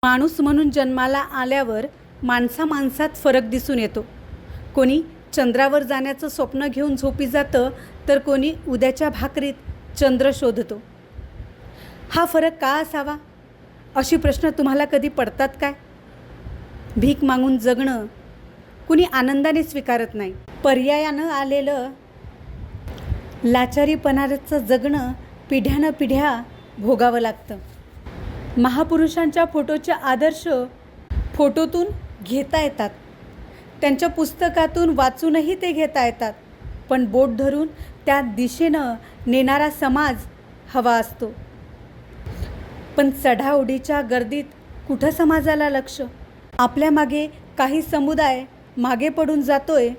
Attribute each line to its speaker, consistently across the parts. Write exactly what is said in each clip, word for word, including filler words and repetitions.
Speaker 1: माणूस म्हणून जन्माला आल्यावर माणसा माणसात फरक दिसून येतो. कोणी चंद्रावर जाण्याचं स्वप्न घेऊन झोपी जातं, तर कोणी उद्याच्या भाकरीत चंद्र शोधतो. हा फरक का असावा, अशी प्रश्न तुम्हाला कधी पडतात काय? भीक मागून जगणं कुणी आनंदाने स्वीकारत नाही. पर्यायानं आलेलं लाचारीपणाचं जगणं पिढ्यानं पिढ्या भोगावं लागतं. महापुरुषांच्या फोटोचे आदर्श फोटोतून घेता येतात, त्यांच्या पुस्तकातून वाचूनही ते घेता येतात, पण बोट धरून त्या दिशेनं नेणारा समाज हवा असतो. पण चढाओढीच्या गर्दीत कुठं समाजाला लक्ष? आपल्या मागे काही समुदाय मागे पडून जातोय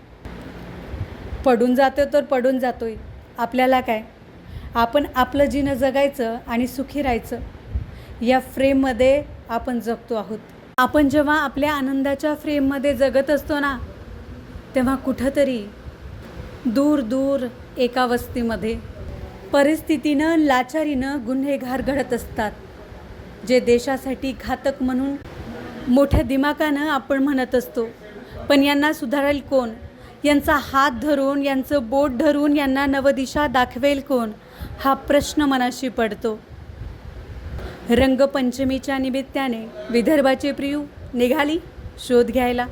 Speaker 1: पडून जातो तर पडून जातोय. आपल्याला काय? आपण आपलं जीवन जगायचं आणि सुखी राहायचं, या फ्रेममध्ये आपण जगतो आहोत. आपण जेव्हा आपल्या आनंदाच्या फ्रेममध्ये जगत असतो ना, तेव्हा कुठंतरी दूर दूर एका वस्तीमध्ये परिस्थितीनं लाचारीनं गुन्हेगार घडत असतात, जे देशासाठी घातक म्हणून मोठ्या दिमाकानं आपण म्हणत असतो. पण यांना सुधारेल कोण? यांचा हात धरून, यांचं बोट धरून यांना नवदिशा दाखवेल कोण? हा प्रश्न मनाशी पडतो. रंगपंचमीच्या निमित्ताने विदर्भाची प्रियू निघाली शोध घ्यायला.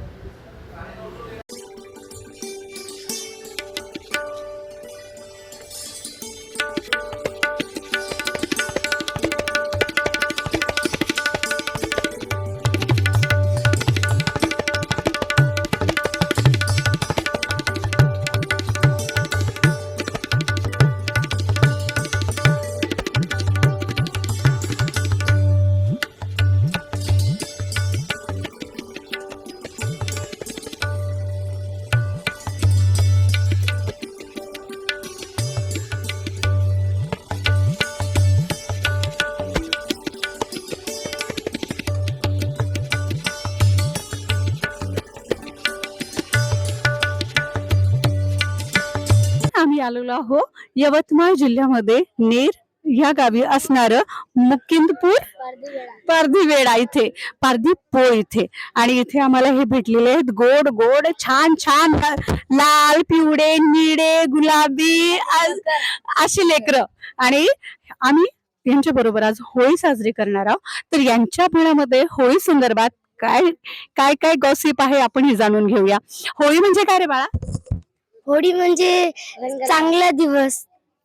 Speaker 1: आम्ही आलेलो आहो यवतमाळ जिल्ह्यामध्ये नेर या गावी असणारं मुकिंदपूर पारधीवेळा इथे पारधीपोळ इथे, आणि इथे आम्हाला हे भेटलेले आहेत गोड गोड छान छान लाल पिवळे निळे गुलाबी अशी लेकरं, आणि आम्ही यांच्या बरोबर आज होळी साजरी करणार आहोत. तर यांच्या मनामध्ये होळी संदर्भात काय काय काय गॉसिप आहे आपण हे जाणून घेऊया. होळी म्हणजे काय रे बाळा?
Speaker 2: होळी म्हणजे चांगला दिवस,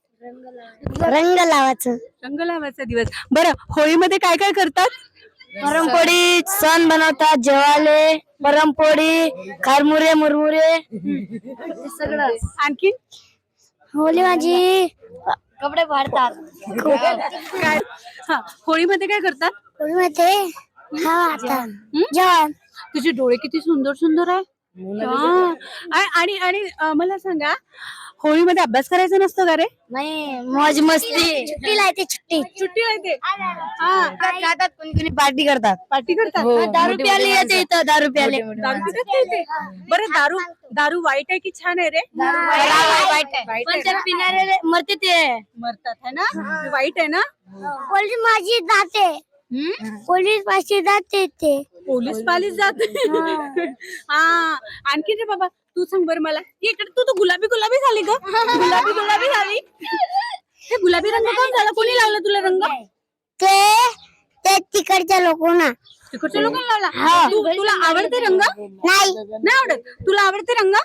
Speaker 2: रंग लावायचं
Speaker 1: रंग लावायचा दिवस. बरं, होळीमध्ये काय काय करतात?
Speaker 2: पुरणपोळी सण बनवतात, जेवाले पुरणपोळी खारमुरे मुरमुरे सगळं.
Speaker 1: आणखी
Speaker 2: होळी माझी कपडे फाडतात.
Speaker 1: काय? हा, होळीमध्ये काय करतात?
Speaker 2: होळीमध्ये हा जेवण.
Speaker 1: तुझे डोळे किती सुंदर सुंदर आहे. हा. आ- आणि आणि अं, मला सांगा, होळीमध्ये अभ्यास करायचा नसतो का रे?
Speaker 2: नाही, मौज मस्ती सुट्टी लायते सुट्टी
Speaker 1: सुट्टी राहते. हा,
Speaker 2: खातात, कोणी कोणी पार्टी करतात.
Speaker 1: पार्टी करतात.
Speaker 2: दारू प्याले येते इथं, दारू प्याले.
Speaker 1: दारू पितात का इथे? बरं, दारू दारू वाईट आहे की छान आहे रे?
Speaker 2: वाईट आहे.
Speaker 1: वाईट
Speaker 2: पण
Speaker 1: आहे
Speaker 2: ते
Speaker 1: ना?
Speaker 2: पिणारे मरते ते.
Speaker 1: मरतात है ना? वाईट आहे ना?
Speaker 2: पोलीस माझी जाते, पोलीस माझी जाते ते.
Speaker 1: पोलीस पालीस जात. हा, आणखी रे बाबा, तू सांग बरं मला. इकडे तू तू गुलाबी गुलाबी झाली ग. गुलाबी गुलाबी झाली. हे गुलाबी रंग कोण झाला? कोणी लावला तुला रंग?
Speaker 2: ते ते तिकडच्या लोकांना.
Speaker 1: तिकडच्या लोकांना लावला. तू तुला आवडते रंग?
Speaker 2: नाही
Speaker 1: नाही आवडत. तुला आवडते रंग?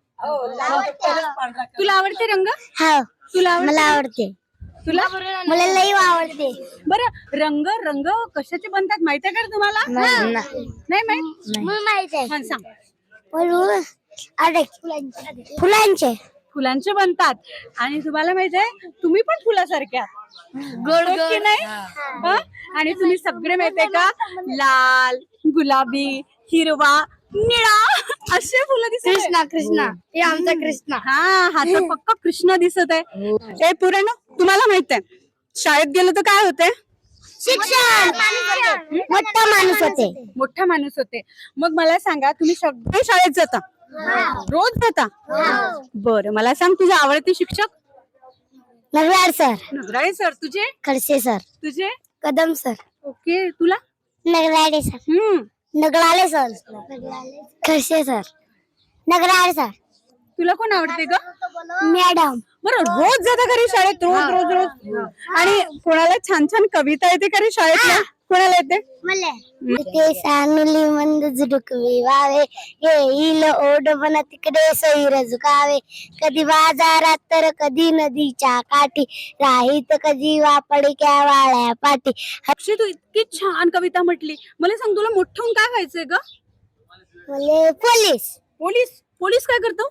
Speaker 1: तुला आवडते रंग?
Speaker 2: हो,
Speaker 1: तुला
Speaker 2: मला आवडते.
Speaker 1: तुला
Speaker 2: मला लई आवडते.
Speaker 1: बरं, रंग रंग कशाचे बनतात माहिती आहे का रे तुम्हाला? नाही माहित?
Speaker 2: मला माहित आहे.
Speaker 1: हा, सांग.
Speaker 2: बोलू. अरे फुलांचे
Speaker 1: फुलांचे बनतात. आणि तुम्हाला माहित आहे, तुम्ही पण फुलासारख्या गोड की नाही? हा? आणि तुम्ही सगळे माहितीये का, लाल गुलाबी हिरवा निळा असे फुलं दिसत.
Speaker 2: कृष्णा कृष्णा हे आमचा कृष्णा.
Speaker 1: हा, हा तर पक्का कृष्ण दिसत आहे. ए पुरण, तुम्हाला माहित आहे शाळेत गेलो तर काय होते?
Speaker 2: शिक्षण. मोठा माणूस होते.
Speaker 1: मोठा माणूस होते. मग मला सांगा, तुम्ही सगळे शाळेत जाता? रोज जाता? बरं, मला सांग, तुझे आवडते शिक्षक?
Speaker 2: Narwad sir,
Speaker 1: Nagrale sir. तुझे?
Speaker 2: खडसे सर,
Speaker 1: तुझे?
Speaker 2: कदम सर.
Speaker 1: ओके. तुला?
Speaker 2: नगराळे सर
Speaker 1: हम्म
Speaker 2: Nagrale sir Khadse sir Nagrale sir
Speaker 1: तुला कोण आवडते ग?
Speaker 2: मॅडम
Speaker 1: बरं, रोज जाता घरी शाळेत, रोज रोज रोज. आणि कोणाला छान छान कविता येते का रे शाळेतल्या? कोणाला येते?
Speaker 2: मला ते सानुली मंद झुडकवी वावे येईल ओढ बन तिकडे सैर झुकावे कधी बाजारात तर कधी नदीच्या काठी राहीत कधी वापडक्या वाळ्या पाठी.
Speaker 1: अक्षय, तू इतकी छान कविता म्हटली. मला सांग, तुला मोठं होऊन काय व्हायचंय ग?
Speaker 2: मला पोलीस
Speaker 1: पोलीस. पोलीस काय करतो?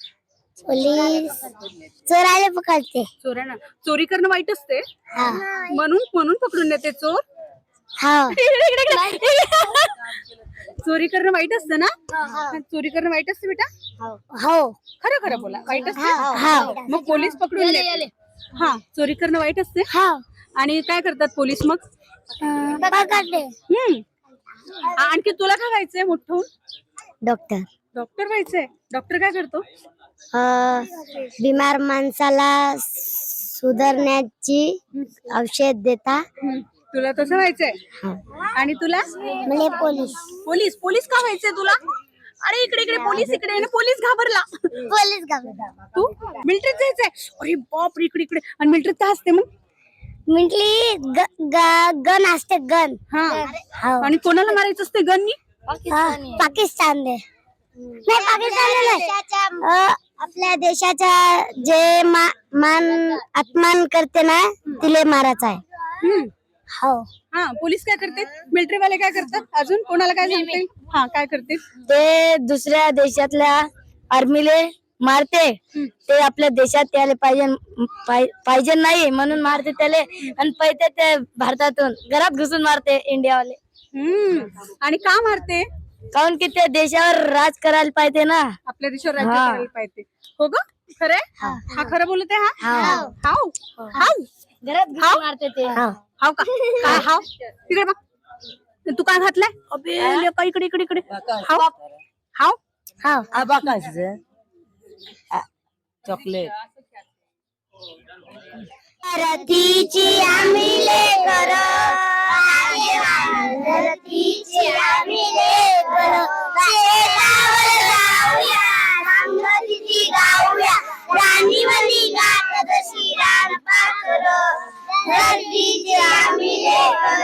Speaker 2: पोलीस चोराले पकडते.
Speaker 1: चोरांना चोरी करणं वाईट असते,
Speaker 2: हा
Speaker 1: म्हणून म्हणून पकडून नेते चोर.
Speaker 2: हा
Speaker 1: इकडे, इकडे, इकडे. चोरी करणं वाईट असतं ना? चोरी करणं वाईट असते बेटा?
Speaker 2: हो
Speaker 1: खरं खरं बोला, वाईट असते.
Speaker 2: हा
Speaker 1: मग पोलीस पकडून नेते. हा, चोरी करणं वाईट असते.
Speaker 2: हा
Speaker 1: आणि काय करतात पोलीस मग?
Speaker 2: पकडते.
Speaker 1: हम्म. आणखी तुला काय व्हायचंय मोठं होऊन?
Speaker 2: डॉक्टर
Speaker 1: डॉक्टर व्हायचंय. डॉक्टर काय करतो?
Speaker 2: बिमार माणसाला सुधारण्याची औषध देता.
Speaker 1: हम्म. तुला तसं व्हायचंय. आणि तुला?
Speaker 2: मला पोलीस
Speaker 1: पोलीस. पोलीस का व्हायचंय तुला? अरे इकडे इकडे पोलीस, इकडे ना. पोलीस घाबरला.
Speaker 2: पोलीस घाबरला.
Speaker 1: तू मिलिटरीत जायचंय? अरे बाप, इकडे इकडे. आणि मिलिटरीत काय असते मग?
Speaker 2: म्हटली गन असते गन.
Speaker 1: हा. आणि कोणाला मारायचं असते गननी?
Speaker 2: पाकिस्तान दे नाही पाकिस्तान नाही आपल्या देशाच्या जे मान अपमान करते ना तिले मारायचं आहे.
Speaker 1: हम्म.
Speaker 2: हो
Speaker 1: हा, पोलीस काय करते? मिलिटरी वाले काय करतात? अजून कोणाला काय सांगते? हा, काय करते?
Speaker 2: ते दुसऱ्या देशातल्या आर्मीले मारते. ते आपल्या देशात यायला पाहिजे पाहिजे नाही म्हणून मारते त्याले आणि पैसे ते भारतातून घरात घुसून मारते इंडियावाले.
Speaker 1: हम्म. आणि का मारते?
Speaker 2: काऊन की ते देशावर राज करायला पाहिजे ना.
Speaker 1: आपल्या देशावर राज्य करायला पाहिजे. हो ग, खरंय? हा खरं बोलत आहे. हा हाव हाव
Speaker 2: घरात घुसून मारते ते.
Speaker 1: हाव का? काय हाव? तिकडे बघ. तू काय घातलंय? अबे लेका, इकडे इकडे इकडे. हाव हाव
Speaker 2: हाव
Speaker 3: चॉकलेट.
Speaker 2: धरतीची आम्ही लेकर धरतीची आम्ही लेकर शेतावर जाऊया संगतीची गाऊया राणीवली गात जशी रान पाखर धरतीची आम्ही लेकर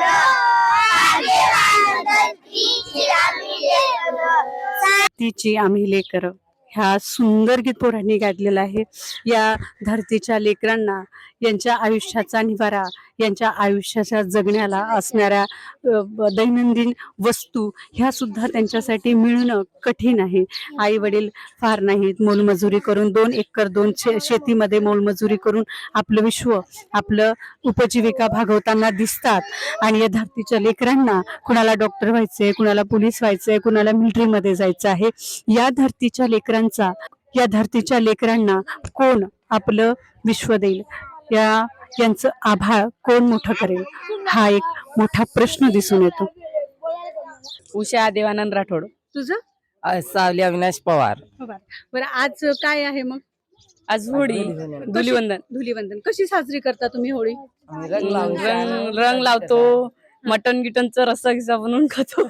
Speaker 2: धरतीची आम्ही लेकर.
Speaker 1: तिची आम्ही लेकर, ह्या सुंदर गीत पोरांनी गायलेलं आहे. या धरतीच्या लेकरांना यांच्या आयुष्याचा निवारा, यांच्या आयुष्याच्या जगण्याला असणाऱ्या अ, ब- दैनंदिन वस्तू ह्या सुद्धा त्यांच्यासाठी मिळणं कठीण आहे. आई वडील फार नाहीत, मोलमजुरी करून दोन एकर दोन शे शेतीमध्ये मोलमजुरी करून आपलं विश्व, आपलं उपजीविका भागवताना दिसतात. आणि या धरतीच्या लेकरांना कुणाला डॉक्टर व्हायचंय, कुणाला पोलीस व्हायचंय, कुणाला मिलिटरीमध्ये जायचं आहे. या धरतीच्या लेकरांचा, या धरतीच्या लेकरांना कोण आपलं विश्व देईल, या यांचं आभाळ कोण मोठं करेल, हा एक मोठा प्रश्न दिसून येतो.
Speaker 3: उषा देवानंद राठोड.
Speaker 1: तुझं?
Speaker 3: अ, सावली अविनाश पवार.
Speaker 1: हो बरं. बरं, आज काय आहे मग?
Speaker 3: आज होळी, धुलीवंदन.
Speaker 1: धुलीवंदन कशी साजरी करता तुम्ही होळी?
Speaker 3: रंग रंग लावतो, मटन गिटनचा रस्सा गिसा बनवून खातो.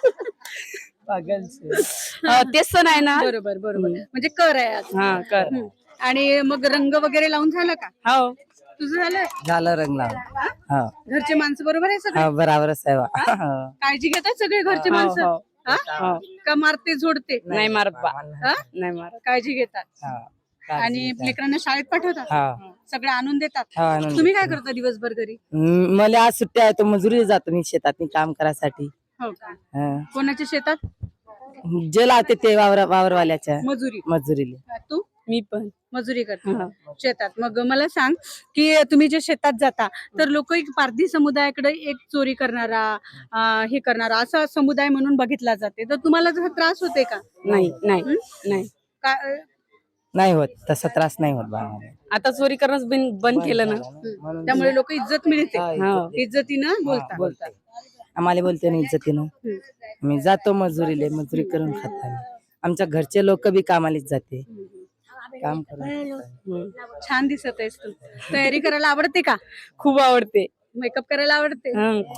Speaker 3: अ, तेच सण आहे ना.
Speaker 1: बरोबर बरोबर. म्हणजे कर आहे आज.
Speaker 3: हा कर.
Speaker 1: हम्म. आणि मग रंग वगैरे लावून झालं का?
Speaker 3: हो
Speaker 1: तुझं झालं?
Speaker 3: झालं रंग लावून. हो
Speaker 1: घरचे माणसं बरोबर आहे सगळे?
Speaker 3: हो, बराबरच आहे बा.
Speaker 1: काळजी घेतात सगळे घरचे
Speaker 3: हो,
Speaker 1: माणसं?
Speaker 3: हो.
Speaker 1: हा?
Speaker 3: हो.
Speaker 1: का मारते झोडते?
Speaker 3: नाही मारत बा.
Speaker 1: हा?
Speaker 3: नाही मारत.
Speaker 1: काळजी घेतात.
Speaker 3: हो.
Speaker 1: आणि लेकरांना शाळेत पाठवतात,
Speaker 3: हो.
Speaker 1: सगळं आणून देतात.
Speaker 3: हो, आणून
Speaker 1: तुम्ही काय करता दिवसभर घरी?
Speaker 3: म- मला आज सुट्टी आहे, तो मजुरी जातो मी शेतात काम करायसाठी.
Speaker 1: हो का?
Speaker 3: हं.
Speaker 1: कोणाच्या शेतात?
Speaker 3: जे लावते ते वावर वावरवाल्याच्या
Speaker 1: मजुरी.
Speaker 3: मजुरीले.
Speaker 1: तू
Speaker 3: मी पण
Speaker 1: मजुरी करता शेतात. मग मला सांग की तुम्ही जे शेतात जाता तर लोक एक पारधी समुदायाकडे एक चोरी करणारा, अं, हे करणारा असा समुदाय म्हणून बघितला जाते. तर तुम्हाला जसा त्रास होते का?
Speaker 3: नाही नाही नाही
Speaker 1: का?
Speaker 3: नाही होत, तसा त्रास नाही होत बा मला. आता चोरी करणंच बिन- बंद केलं ना.
Speaker 1: हं. त्यामुळे लोक इज्जत मिळते,
Speaker 3: हो.
Speaker 1: इज्जतीनं बोलतात.
Speaker 3: बोलतात आम्हाला बोलते ना इज्जतीनं.
Speaker 1: हं.
Speaker 3: मी जातो मजुरीले, मजुरी करून खात आम्ही. आमच्या घरचे लोक बी कामालीच जाते, काम करून. हं.
Speaker 1: छान दिसत आहेस तू. तयारी करायला आवडते का?
Speaker 3: खूप आवडते.
Speaker 1: मेकअप करायला आवडते?
Speaker 3: हं, खूप.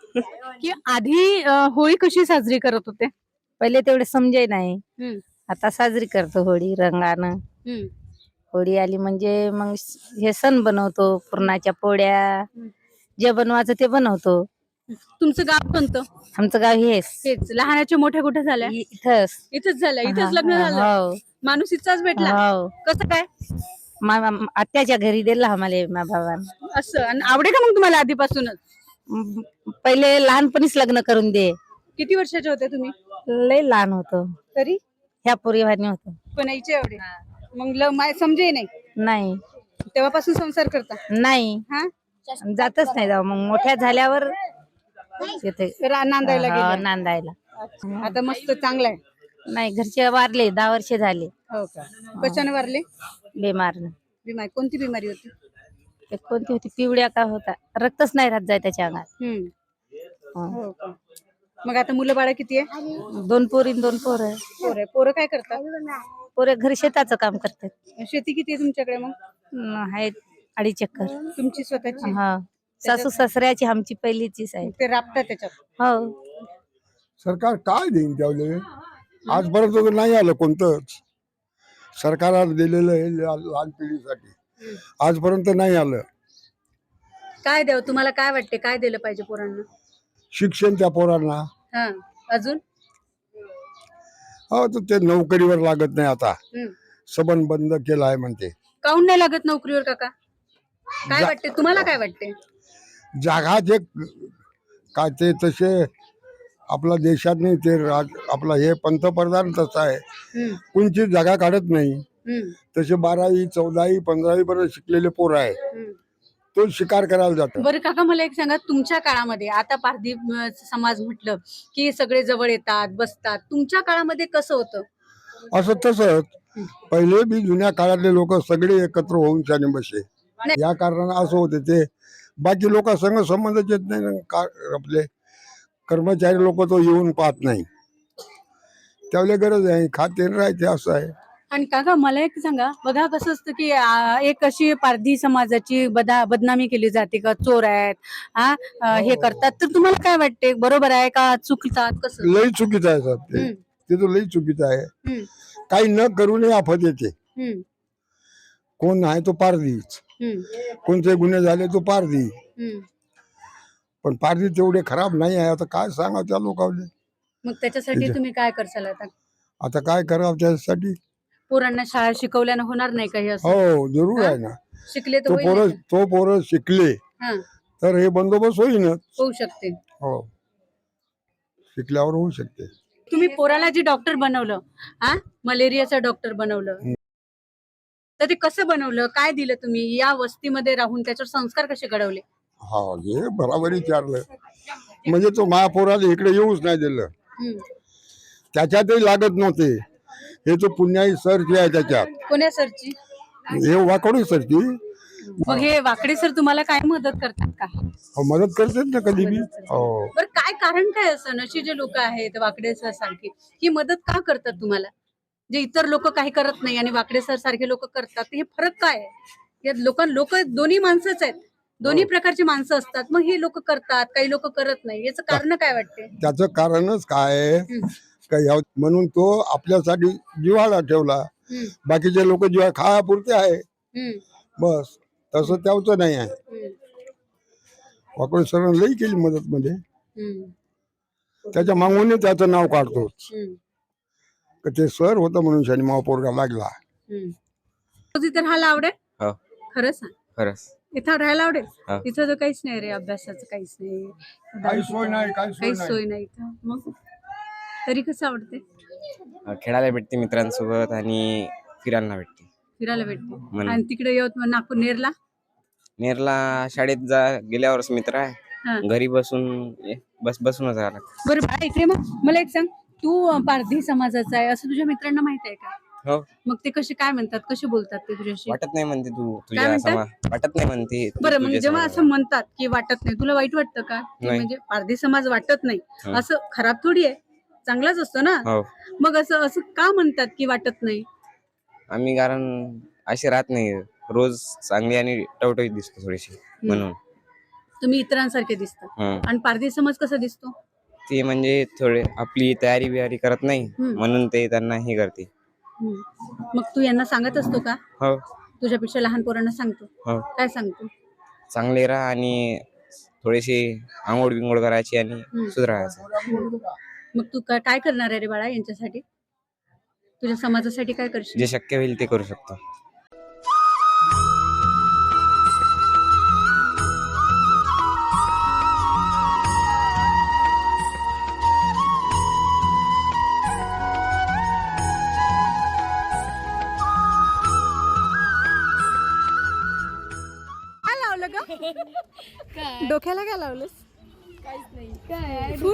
Speaker 1: की आधी अ, होळी कशी साजरी करत होते?
Speaker 3: पहिले तेवढे समजे नाही,
Speaker 1: हम्म,
Speaker 3: आता साजरी करतो होळी रंगानं.
Speaker 1: हम्म,
Speaker 3: होळी आली म्हणजे मग हे सण बनवतो, पुरणाच्या पोळ्या, जे बनवायचं ते बनवतो.
Speaker 1: तुमचं गाव कोणतं?
Speaker 3: आमचं गाव हेच
Speaker 1: हेच लहानाच्या मोठ्या कुठे झाल्या?
Speaker 3: इथंच.
Speaker 1: इथंच झालं, इथंच
Speaker 3: हा,
Speaker 1: लग्न झालं.
Speaker 3: हो
Speaker 1: माणूस इथचाच भेटला.
Speaker 3: हो.
Speaker 1: कसं काय
Speaker 3: मा- मा- आत्याच्या घरी दिला आम्हाला मा भावानं.
Speaker 1: असं? आणि आवडे का मग तुम्हाला आधीपासूनच?
Speaker 3: म, पहिले लहानपणीच लग्न करून दे.
Speaker 1: किती वर्षाचे होते तुम्ही
Speaker 3: लय लहान होतो,
Speaker 1: तरी?
Speaker 3: ह्या पोरीवानी होतो.
Speaker 1: पण यायचे एवढे मग ल- माय समजे नाही
Speaker 3: नाही
Speaker 1: तेव्हापासून संसार करता?
Speaker 3: नाही
Speaker 1: हा,
Speaker 3: जातच नाही जाऊ. मग मोठ्या झाल्यावर येते
Speaker 1: रा- नांदायला
Speaker 3: हा,
Speaker 1: गेल्या.
Speaker 3: नांदायला.
Speaker 1: आता मस्त चांगलं आहे.
Speaker 3: नाही घरचे वारले, दहा वर्ष झाले
Speaker 1: हो का? कशाने वारले?
Speaker 3: बेमार.
Speaker 1: बिमारी कोणती बिमारी होती?
Speaker 3: एक कोणती होती पिवळ्या का होता, रक्तच नाही राहत जाय त्याच्या अंगात.
Speaker 1: हम्म,
Speaker 3: हं.
Speaker 1: हो का? मग आता मुलं बाळ किती आहे?
Speaker 3: दोन पोरी न दोन पोर.
Speaker 1: पोरं आहे. पोरं काय करतात?
Speaker 3: पोरे घरी शेताचं काम करतात.
Speaker 1: शेती किती आहे तुमच्याकडे मग?
Speaker 3: न, आहेत अडीच एकर.
Speaker 1: तुमची स्वतःची?
Speaker 3: हा, सासू सासऱ्याची आमची पहिलीचीच आहे.
Speaker 1: मग ते राबतात त्याच्यात?
Speaker 3: हो.
Speaker 4: सरकार काय देईन त्यावेळे आजपर्यंत तर नाही आलं कोणतंच. सरकार दिलेलं आहे ला- लहान पिढीसाठी, आजपर्यंत नाही आलं.
Speaker 1: काय द्यावं तुम्हाला? काय वाटते काय दिलं पाहिजे पोरांना?
Speaker 4: शिक्षण त्या पोरांना,
Speaker 1: हा, अजून?
Speaker 4: हो तर ते नोकरीवर लागत नाही आता,
Speaker 1: हम्म.
Speaker 4: सबन बंद केला आहे म्हणते.
Speaker 1: काऊन नाही लागत नोकरीवर काका? काय
Speaker 4: जा-
Speaker 1: वाटते तुम्हाला? काय वाटते?
Speaker 4: जागा जे काय ते तसे आपला देशात नाही ते राज आपला हे पंतप्रधान तसा आहे,
Speaker 1: हम्म,
Speaker 4: कोणची जागा काढत नाही.
Speaker 1: हम्म,
Speaker 4: तसे बारावी चौदावी पंधरावी पर्यंत शिकलेले पोर आहे,
Speaker 1: हम्म.
Speaker 4: तो शिकार करायला जातो.
Speaker 1: बरं काका मला एक सांगा, तुमच्या काळामध्ये आता पारधी अं, समाज म्हटलं की सगळे जवळ येतात बसतात, तुमच्या काळामध्ये कसं होतं?
Speaker 4: असं तसंच पहिले बी जुन्या काळातले लोक सगळे एकत्र होऊन शाने बसे. या कारणानं असं होते ते बाकी लोक संग संबंधच येत नाही ना. का आपले कर्मचारी लोक तो येऊन पाहत नाही, त्यावेळेला गरज आहे खाते न राहते असं आहे.
Speaker 1: आणि काका मला एक सांगा, बघा कसं असतं की आ, एक अशी पारधी समाजाची बदा बदनामी केली जाते का चोर आहेत, हा अं, हे करतात, तर तुम्हाला काय वाटते बरोबर आहे का चुकतात कसं?
Speaker 4: लई चुकीचं आहे साहेब ते
Speaker 1: हम्म,
Speaker 4: ते तर लई चुकीचं आहे.
Speaker 1: हम्म,
Speaker 4: काही न करूनही आफत येते.
Speaker 1: हम्म,
Speaker 4: कोण आहे तो पारधीच,
Speaker 1: हम्म,
Speaker 4: कोणते गुन्हे झाले तो पारधी,
Speaker 1: हम्म.
Speaker 4: पण पारधी तेवढे खराब नाही आहे. आता काय सांगा त्या लोकांनी,
Speaker 1: मग त्याच्यासाठी तुम्ही काय करसाल आता?
Speaker 4: आता काय करावं त्यासाठी.
Speaker 1: पोरांना शाळा शिकवल्यानं होणार नाही काही असं?
Speaker 4: हो जरूर आहे ना.
Speaker 1: शिकले तर
Speaker 4: तो
Speaker 1: होईल
Speaker 4: पोरं
Speaker 1: नाही का?
Speaker 4: तो पोरं शिकले
Speaker 1: हा,
Speaker 4: तर हे बंदोबस्त होईनच.
Speaker 1: होऊ शकते.
Speaker 4: हो, शिकल्यावर होऊ शकते.
Speaker 1: तुम्ही पोराला जे डॉक्टर बनवलं, हा मलेरियाचं डॉक्टर बनवलं, तर ते कसं बनवलं? काय दिलं तुम्ही? या वस्तीमध्ये राहून त्याच्यावर संस्कार कसे घडवले?
Speaker 4: हा हे बराबर विचारलं, म्हणजे तो महापोराला इकडे येऊच नाही दिलं.
Speaker 1: हम्म.
Speaker 4: त्याच्यातही लागत नव्हते. हे तो पुण्याई सरची आहे त्याच्यात,
Speaker 1: कोण्या सरची?
Speaker 4: हे वाकडू सरची
Speaker 1: मग हे वाकडे सर तुम्हाला काय मदत करतात का?
Speaker 4: हो, मदत करतेच ना कधी बी. हो
Speaker 1: बरं काय कारण काय असं अशी जे लोक आहेत वाकडे सर सारखे, ही मदत का करतात तुम्हाला? जे इतर लोक काही करत नाही आणि वाकडे सर सारखे लोक करतात, हे फरक काय आहे? या लोक लोक दोन्ही माणसंच आहेत, दोन्ही प्रकारची माणसं असतात, मग हे लोक करतात काही लोक करत नाही, याचं कारण काय वाटते?
Speaker 4: त्याचं कारणच काय आहे
Speaker 1: हम्म,
Speaker 4: का ह्या- म्हणून तो आपल्यासाठी जिव्हाळा ठेवला.
Speaker 1: हम्म,
Speaker 4: बाकीचे लोक जिव्हा खायापुरते आहे
Speaker 1: हम्म,
Speaker 4: बस, तसं त्याचं नाही आहे.
Speaker 1: हम्म,
Speaker 4: वाकडे सरांनी लई केली मदत मध्ये,
Speaker 1: हम्म,
Speaker 4: त्याच्या मागून त्याचं नाव काढतोच.
Speaker 1: हम्म,
Speaker 4: का ते सर होतं म्हणून शनी महापौरला लागला.
Speaker 1: हम्म. तुझं इथे राहायला आवडेल?
Speaker 5: हो.
Speaker 1: खरं सांग,
Speaker 5: खरंच
Speaker 1: इथं राहायला आवडेल?
Speaker 5: हा.
Speaker 1: इथं तर काहीच नाही रे, अभ्यासाचं काहीच नाही,
Speaker 4: काही सोय नाही, काही सोय
Speaker 1: काहीच
Speaker 4: नाही.
Speaker 1: सोय नाही इथं. मग तरी कसं आवडते?
Speaker 5: अं, खेळायला भेटते मित्रांसोबत आणि फिरायला भेटते.
Speaker 1: फिरायला भेटते.
Speaker 5: म्हण-
Speaker 1: आणि तिकडे यवतमाळ नागपूर नेरला?
Speaker 5: नेरला शाळेत जा गेल्यावरच मित्र
Speaker 1: हा.
Speaker 5: आहे, घरी बसून ये- बस बसूनच राहिला.
Speaker 1: बरं बाळा इकडे, मग मला एक सांग, तू अं, पारधी समाजाचा आहे असं तुझ्या मित्रांना माहित आहे का?
Speaker 5: हो,
Speaker 1: मग ते कसे काय म्हणतात, कसे बोलतात ते तुझ्याशी?
Speaker 5: वाटत नाही म्हणते तू तुझ्या
Speaker 1: म्हणतात?
Speaker 5: समा वाटत नाही म्हणते तू
Speaker 1: बरं मग
Speaker 5: तुझ्या
Speaker 1: जेव्हा
Speaker 5: समाजाला.
Speaker 1: असं म्हणतात की वाटत नाही, तुला वाईट वाटतं का? की
Speaker 5: नाही.
Speaker 1: म्हणजे पारधी समाज वाटत नाही
Speaker 5: हं.
Speaker 1: असं खराब थोडी आहे, चांगलाच असतो ना.
Speaker 5: हो,
Speaker 1: मग असं असं का म्हणतात की वाटत नाही?
Speaker 5: आम्ही कारण असे राहत नाही रोज, चांगली आणि टवटवीत दिसतो थोडीशी म्हणून.
Speaker 1: तुम्ही इतरांसारखे दिसता.
Speaker 5: हं.
Speaker 1: आणि पारधी समाज कसा दिसतो?
Speaker 5: ते म्हणजे थोडे आपली तयारी बियारी करत नाही
Speaker 1: हं.
Speaker 5: म्हणून ते त्यांना हे करते.
Speaker 1: हं. मग तू यांना सांगत असतो का?
Speaker 5: हो
Speaker 1: तुझ्यापेक्षा लहान पोरांना सांगतो?
Speaker 5: हो
Speaker 1: काय सांगतो?
Speaker 5: चांगले राहा आणि थोडेसे आंघोळ बिंघोळ करायची आणि
Speaker 1: हं.
Speaker 5: सुधारायचं.
Speaker 1: मग तू का- काय करणार आहे रे बाळा यांच्यासाठी? तुझ्या समाजासाठी काय करशील?
Speaker 5: जे शक्य होईल ते करू शकतो.
Speaker 1: काय लावलं ग? डोक्याला काय लावलंस? फुल?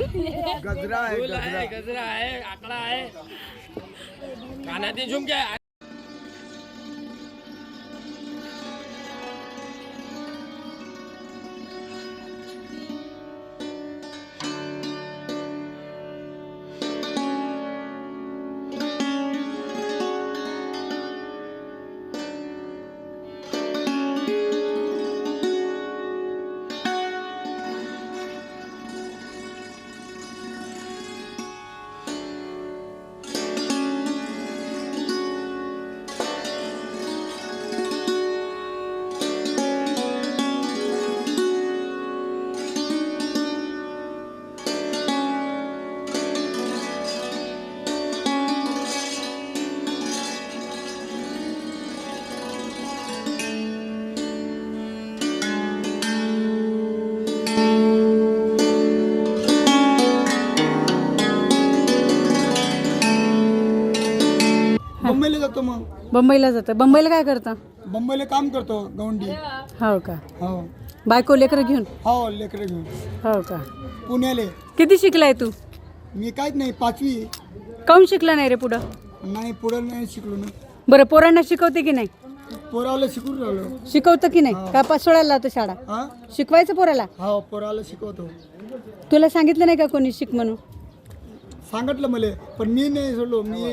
Speaker 6: मुंबईला जातो मग
Speaker 1: बंबईला जातं. बंबईला काय करता?
Speaker 6: मुंबईला काम करतो गवंडी.
Speaker 1: हो का?
Speaker 6: हो
Speaker 1: बायको लेकरं घेऊन?
Speaker 6: हो लेकरं घेऊन
Speaker 1: हो का?
Speaker 6: पुण्याले.
Speaker 1: किती शिकलाय तू?
Speaker 6: मी काहीच नाही पाचवी.
Speaker 1: काऊन शिकला नाही रे पुढं?
Speaker 6: नाही पुढं नाही शिकलो ना.
Speaker 1: बरं पोरांना शिकवते की नाही?
Speaker 6: पोराला शिकून राहिलो.
Speaker 1: शिकवतं की नाही? का पाच सोडायला लावतो शाळा?
Speaker 6: हा
Speaker 1: शिकवायचं पोराला?
Speaker 6: हो पोराला शिकवतो.
Speaker 1: तुला सांगितलं नाही का कोणी शिक म्हणून?
Speaker 6: सांगितलं मला पण मी नाही सोडलो. मी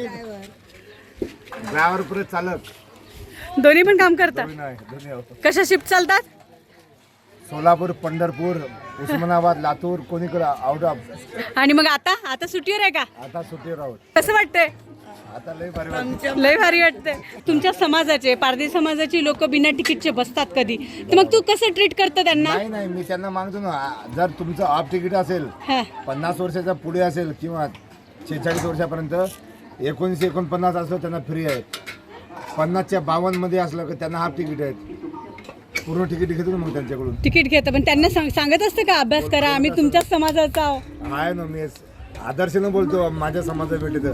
Speaker 7: ड्रायव्हर पुढे चालक
Speaker 1: दोन्ही पण काम करतात. कशा शिफ्ट चालतात?
Speaker 7: सोलापूर, पंढरपूर, उस्मानाबाद, लातूर, कोणीकडे आउट ऑफ.
Speaker 1: आणि मग आता आता सुट्टीवर आहे का?
Speaker 7: आता सुट्टीवर आहोत.
Speaker 1: कसं वाटतंय?
Speaker 7: आता लय भारी वाटतं.
Speaker 1: लय भारी वाटतंय. तुमच्या समाजाचे पारधी समाजाची लोक बिना तिकीटचे बसतात कधी, तर मग तू कसं ट्रीट करतो त्यांना?
Speaker 7: नाही नाही मी त्यांना मागतो ना, जर तुमचं ऑफ तिकीट असेल
Speaker 1: हा.
Speaker 7: पन्नास वर्षाच्या पुढे असेल किंवा शेहेचाळीस वर्षापर्यंत एकोणीसशे एकोणपन्नास असलं त्यांना फ्री आहेत. पन्नासच्या बावन्न मध्ये असलं की त्यांना हाफ तिकीट आहेत. पूर्ण तिकीट घेतो ना मग त्यांच्याकडून.
Speaker 1: तिकीट घेतं पण त्यांना सांग- सांगत असतं का अभ्यास करा, आम्ही तुमच्याच समाजाचा आहो?
Speaker 7: आहे ना, मी आदर्शनं बोलतो माझ्या समाजा भेटीत.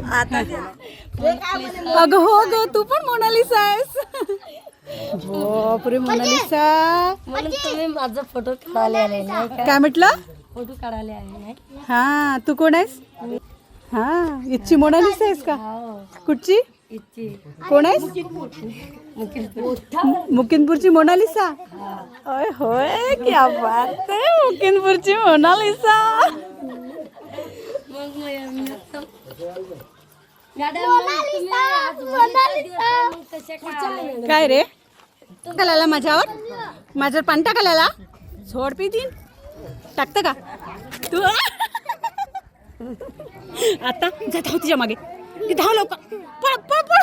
Speaker 1: अगं हो ग, तू पण मोनालिसा आहेस. बापरे मोनालिसा.
Speaker 2: म्हणून तुम्ही माझा फोटो काढायला आले नाही का?
Speaker 1: काय म्हटलं?
Speaker 2: फोटो काढायला आले नाही?
Speaker 1: हा तू कोण आहेस? हा इथची मोनालिसा आहेस का? कुठची? कोण आहेस? मुकिंदपूरची मोनालिसा. ओय होय क्या बात आहे, मुकिंदपूरची मोनालिसा. काय रे टाकायला माझ्यावर? माझ्यावर पाणी टाकायला? झोड पितीन टाकतं का तू? आता जा धाव तिच्या मागे, ती धाव लवकर, पळ पळ पळ.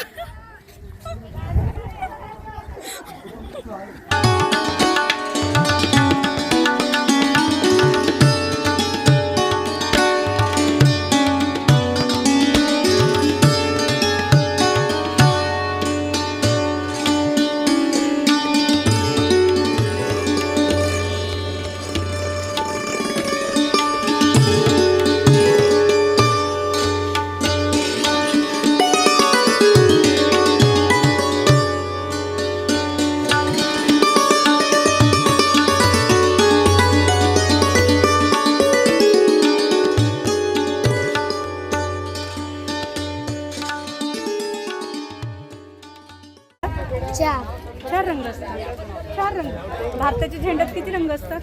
Speaker 2: चार.
Speaker 1: चार रंग असतात. चार रंग. भारताच्या झेंड्यात किती रंग असतात?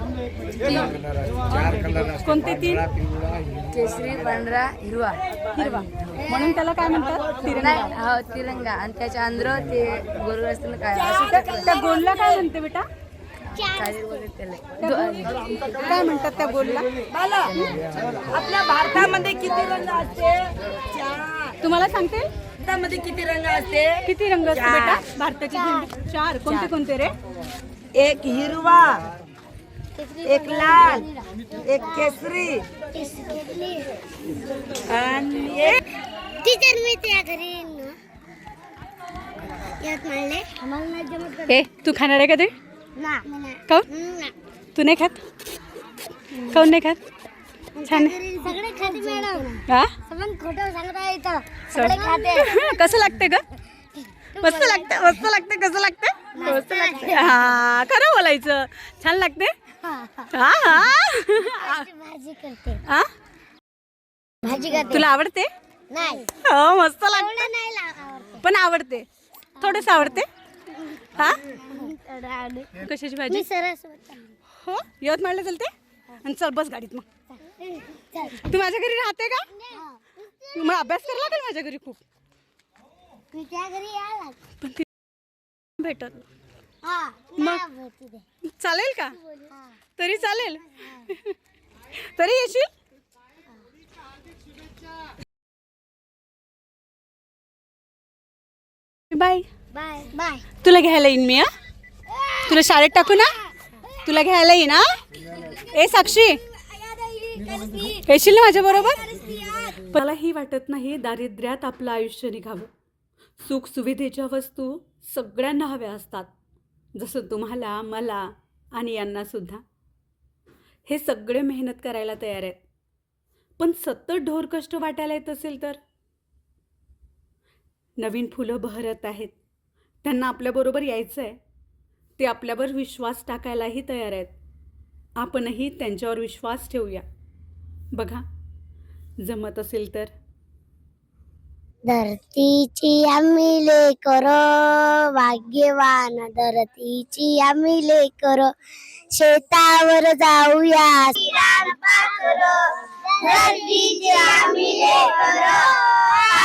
Speaker 1: कोणते तीन?
Speaker 8: केसरी, पांढरा, हिरवा.
Speaker 1: हिरवा. म्हणून त्याला काय म्हणतात? तिरंगा.
Speaker 8: हो तिरंगा. आणि त्याच्या अंदर ते गोल असतं काय
Speaker 1: त्या- त्या गोलला काय म्हणते बेटा? काय म्हणतात त्या गोलला?
Speaker 3: आपल्या भारतामध्ये किती रंग असते?
Speaker 1: तुम्हाला सांगते
Speaker 3: भारतामध्ये किती रंग असते?
Speaker 1: किती रंग असते बेटा भारताची झेंडी? चार. कोणते कोणते रे?
Speaker 3: एक हिरवा, एक लाल, एक केसरी आणि एक
Speaker 2: टीचर मी त्या घरी येईन ना. यात मारले आम्हाला नाही जमत कर-
Speaker 1: ए तू खाणार आहे का ते?
Speaker 2: ना ना.
Speaker 1: काऊन?
Speaker 2: ना.
Speaker 1: तू नाही खात? काऊन नाही खात? छान आहे.
Speaker 2: घरी सगळे खाते मॅडम.
Speaker 1: हा
Speaker 2: सबन खोटं सांगता येतं. सगळे खाते.
Speaker 1: कसं लागते ग? मस्त लागते मस्त लागते कसं लागते? मस्त लागते. हा खरं बोलायचं. छान लागते.
Speaker 2: हा, हा.
Speaker 1: हा हा
Speaker 2: भाजी करते.
Speaker 1: हा?
Speaker 2: भाजी करते.
Speaker 1: तुला आवडते?
Speaker 2: नाही
Speaker 1: हो मस्त लागते
Speaker 2: एवढं नाही लाव-
Speaker 1: पण आवडते थोडस आवडते. हा
Speaker 2: एवढं आवडत.
Speaker 1: कशाची भाजी?
Speaker 2: मी सरस
Speaker 1: हो यवतमाळला चलते आणि चल बस गाडीत मग.
Speaker 2: चल.
Speaker 1: तू माझ्या घरी राहते का?
Speaker 2: हा.
Speaker 1: मग अभ्यास करायला लागेल माझ्या घरी खूप.
Speaker 2: मी त्या घरी यायला
Speaker 1: पण ती भेटत
Speaker 2: हा नाही आवडत ते.
Speaker 1: चालेल का?
Speaker 2: हा.
Speaker 1: तरी चालेल. तरी येशील? बाय.
Speaker 2: Bye bye.
Speaker 1: तुला घ्यायला येईन मी. हा तुला शाळेत टाकू ना? तुला घ्यायला येईन. हा ए साक्षी येशील ना माझ्या बरोबर? मलाही वाटत नाही दारिद्र्यात आपलं आयुष्य निघावं. सुख सुविधेच्या वस्तू सगळ्यांना हव्या असतात, जसं तुम्हाला मला आणि यांना सुद्धा. हे सगळे मेहनत करायला तयार आहेत, पण सतत ढोर कष्ट वाटायला येत असेल तर? नवीन फुलं बहरत आहेत, त्यांना आपल्याबरोबर यायचं आहे. ते आपल्यावर विश्वास टाकायलाही तयार आहेत. आपणही त्यांच्यावर विश्वास ठेवूया. बघा जमत असेल तर.
Speaker 2: धरतीची आम्ही लेकर भाग्यवान, धरतीची आम्ही लेकर शेतावर जाऊया. धरतीची आम्ही लेकर